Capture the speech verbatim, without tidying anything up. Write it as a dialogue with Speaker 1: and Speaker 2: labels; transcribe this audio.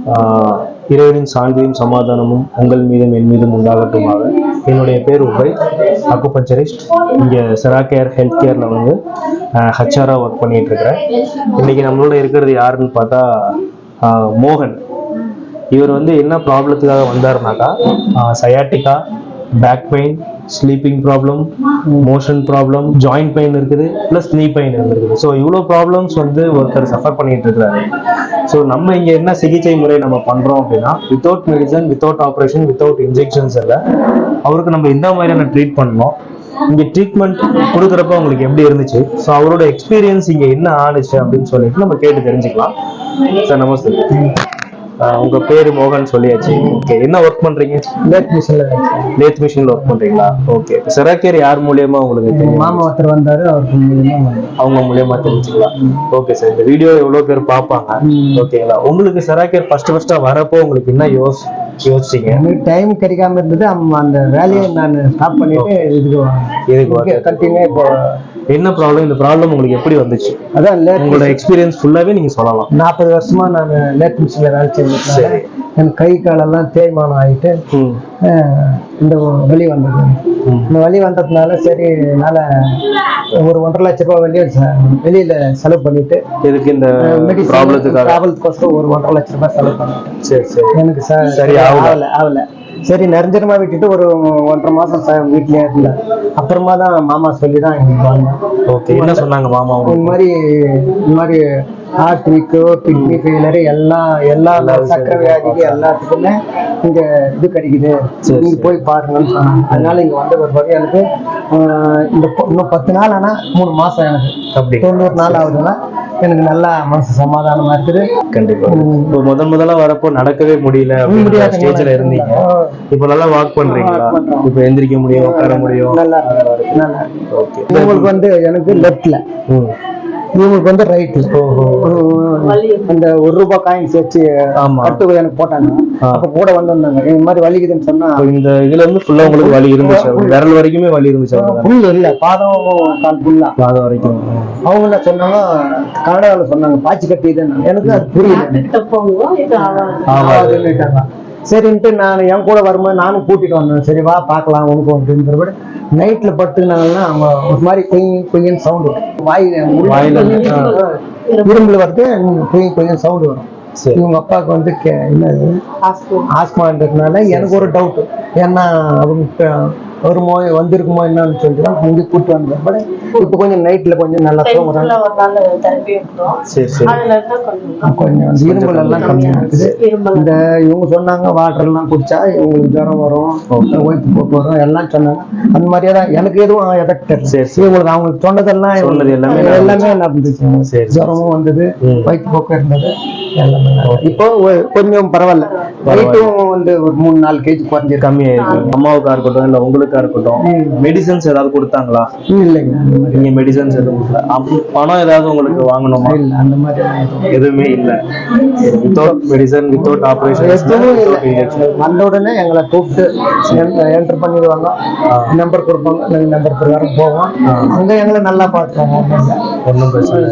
Speaker 1: இறைவனின் சாந்தியும் சமாதானமும் உங்கள் மீதும் என் மீதும் உண்டாகட்டுமாக. என்னுடைய பேர் உபை, அக்குபஞ்சரிஸ்ட். இங்கே செராகேர் ஹெல்த் கேரில் வந்து ஹச்ஆராக ஒர்க் பண்ணிட்டு இருக்கிறேன். இன்னைக்கு நம்மளோட இருக்கிறது யாருன்னு பார்த்தா மோகன். இவர் வந்து என்ன ப்ராப்ளத்துக்காக வந்தாருனாக்கா, sciatica, back pain, sleeping problem, motion problem, joint pain இருக்குது, ப்ளஸ் நீ பெயின் இருக்குது. ஸோ இவ்வளோ ப்ராப்ளம்ஸ் வந்து ஒருத்தர் சஃபர் பண்ணிட்டு இருக்கிறாரு. ஸோ நம்ம இங்கே என்ன சிகிச்சை முறை நம்ம பண்ணுறோம் அப்படின்னா, without medicine, without operation, without injections இல்லை, அவருக்கு நம்ம இந்த மாதிரியான ட்ரீட் பண்ணோம். இங்கே ட்ரீட்மெண்ட் கொடுக்குறப்ப அவங்களுக்கு எப்படி இருந்துச்சு, ஸோ அவரோட எக்ஸ்பீரியன்ஸ் இங்கே என்ன ஆனிச்சு அப்படின்னு சொல்லிட்டு நம்ம கேட்டு தெரிஞ்சுக்கலாம். சார் நமஸ்தே. உங்க பேரு மோகன் சொல்லியாச்சு. ஓகே, என்ன ஒர்க் பண்றீங்க?
Speaker 2: லேத் மிஷின்ல
Speaker 1: லேத் மிஷின்ல ஒர்க் பண்றீங்களா? ஓகே. செராகேர் யார் மூலியமா உங்களுக்கு தெரியும்?
Speaker 2: மாமா ஒருத்தர் வந்தாரு, அவருக்கு மூலியமா
Speaker 1: அவங்க மூலியமா தெரிஞ்சுக்கலாம். ஓகே சார், இந்த வீடியோ எவ்வளவு பேர் பார்ப்பாங்க? ஓகேங்களா? உங்களுக்கு செராகேர் ஃபர்ஸ்ட் ஃபர்ஸ்டா வரப்போ உங்களுக்கு என்ன யோஸ் யோசிச்சீங்க?
Speaker 2: டைம் கிடைக்காம இருந்தது. அந்த வேலையை நான் ஸ்டாப் பண்ணிட்டு இதுக்கு இதுக்கு கண்டினியூ. இப்போ
Speaker 1: என்ன ப்ராப்ளம், இந்த ப்ராப்ளம் உங்களுக்கு எப்படி வந்துச்சு?
Speaker 2: அதான்
Speaker 1: உங்களோட எக்ஸ்பீரியன்ஸ் ஃபுல்லாவே நீங்க சொல்லலாம்.
Speaker 2: நாற்பது வருஷமா நான் லேத் மிஷின்ல வேலை செஞ்சுட்டேன். என் கை காலெல்லாம் தேய்மானம் ஆகிட்டு இந்த வலி வந்தது. இந்த வலி வந்ததுனால சரி, என்னால் ஒரு ஒன்றரை லட்ச ரூபாய் வெளியே வெளியில செலவு பண்ணிட்டு
Speaker 1: இதுக்கு இந்த ப்ராப்ளத்துக்காக
Speaker 2: டிராவல்ஸ்க்கோசரம் ஒரு ஒன்றரை லட்ச ரூபாய் செலவு பண்ணிட்டேன்.
Speaker 1: சரி சரி.
Speaker 2: எனக்கு சரி ஆகல ஆகல சரி, நெருஞ்சரமா விட்டுட்டு ஒரு ஒன்றரை மாசம் வீட்லயே இருந்தேன். அப்புறமா தான் மாமா சொல்லி தான் இங்க வந்தேன்.
Speaker 1: ஓகே, என்ன சொன்னாங்க மாமா?
Speaker 2: இந்த மாதிரி இந்த மாதிரி ஹார்ட் வீக்கு, கிட்னி ஃபெயிலரு, எல்லாம் எல்லா சக்கரை வியாதிக்கு எல்லாத்துக்குமே இங்க இது கிடைக்குது, நீங்க போய் பாருங்கன்னு சொன்னாங்க. அதனால இங்க வந்த ஒரு வகை எனக்கு இந்த இன்னும் பத்து நாள் ஆனா மூணு மாசம் எனக்கு அப்படி தொண்ணூறு நாள் ஆகுதுன்னா எனக்கு நல்லா மனசு சமாதானமா இருக்குது.
Speaker 1: கண்டிப்பா. இப்போ முதல் முதல்ல வரப்போ நடக்கவே முடியல, முடியாத ஸ்டேஜ்ல இருந்தீங்க. இப்போ நல்லா வாக் பண்றீங்களா? இப்போ எந்திரிக்க முடியும், உட்கார முடியும், நல்லா
Speaker 2: நல்லா. ஓகே. உங்களுக்கு வந்து எனக்கு லெஃப்ட்ல, இவங்களுக்கு வந்து ரைட்ல அந்த ஒரு ரூபாய் காயின்ஸ் வச்சு கட்டு எனக்கு போட்டாங்க. அப்ப கூட வந்து வந்தாங்க, இந்த மாதிரி வலிக்குதுன்னு சொன்னா.
Speaker 1: இந்த இதுல இருந்து ஃபுல்லா உங்களுக்கு வலி இருந்துச்சு? விரல் வரைக்குமே வலி இருந்துச்சு?
Speaker 2: புல் இல்ல, பாதம் கால் புல்லா,
Speaker 1: பாதம் வரைக்கும்.
Speaker 2: அவங்க என்ன சொன்னாங்க, கனடாவில் சொன்னாங்க பாய்ச்சி கட்டி இதுன்னு. எனக்கு அது புரியல. சரின்ட்டு நான் என் கூட வரும்போது நானும் கூட்டிட்டு வந்தேன். சரி வா பார்க்கலாம் உனக்கு அப்படின்றபடி நைட்ல படுத்துனாங்கன்னா அவங்க ஒரு மாதிரி கொய் கொய்யன்னு சவுண்டு வரும். வாய் இரும்புல வருது, கொய் கொய்யன்னு சவுண்டு வரும். இவங்க அப்பாவுக்கு வந்து என்னது ஆஸ்மான்றதுனால எனக்கு ஒரு டவுட், ஏன்னா அவங்க ஒரு நோய் வந்திருக்குமோ என்னன்னு சொல்லிட்டு தான் இங்கே கூப்பிட்டு வந்தேன். இப்போ கொஞ்சம் நைட்ல கொஞ்சம் நல்லா தூங்குறாங்க. கொஞ்சம் இரும்பல் எல்லாம் கம்மியா இருக்குது. இந்த இவங்க சொன்னாங்க வாட்டர் எல்லாம் குடிச்சா இவங்களுக்கு ஜுரம் வரும், ஒய்ப்பு போக்கு வரும் எல்லாம் சொன்னாங்க. அந்த மாதிரியே தான் எனக்கு எதுவும் எஃபெக்ட் இவங்களுக்கு அவங்களுக்கு சொன்னதெல்லாம் எல்லாமே எல்லாமே நடந்துச்சு. ஜுரமும் வந்தது, வயிற்று போக்கு இருந்தது எல்லாமே. இப்போ கொஞ்சம் பரவாயில்ல, வயிற்றும் வந்து ஒரு மூணு நாலு கேஜி குறைஞ்சி
Speaker 1: கம்மியாயிருக்கு. அம்மாவுக்கா இருக்கட்டும் இல்ல உங்களுக்கா இருக்கட்டும், மெடிசன்ஸ் ஏதாவது கொடுத்தாங்களா?
Speaker 2: இல்லைங்க,
Speaker 1: நீங்க மெடிசன்ஸ் எதுவும் பணம் ஏதாவது உங்களுக்கு வாங்கணுமா?
Speaker 2: இல்ல, அந்த மாதிரி
Speaker 1: எதுவுமே இல்ல. வித்தவுட் மெடிசன், வித்தவுட் ஆபரேஷன்
Speaker 2: எதுவும் இல்லை. வந்த உடனே எங்களை கூப்பிட்டு என்டர் பண்ணிடுவாங்க, நம்பர் கொடுப்பாங்க, நாங்கள் நம்பர் பிரகாரம் போவோம். அங்க எங்களை நல்லா பார்த்துவாங்க, ஒன்றும்
Speaker 1: பிரச்சனை.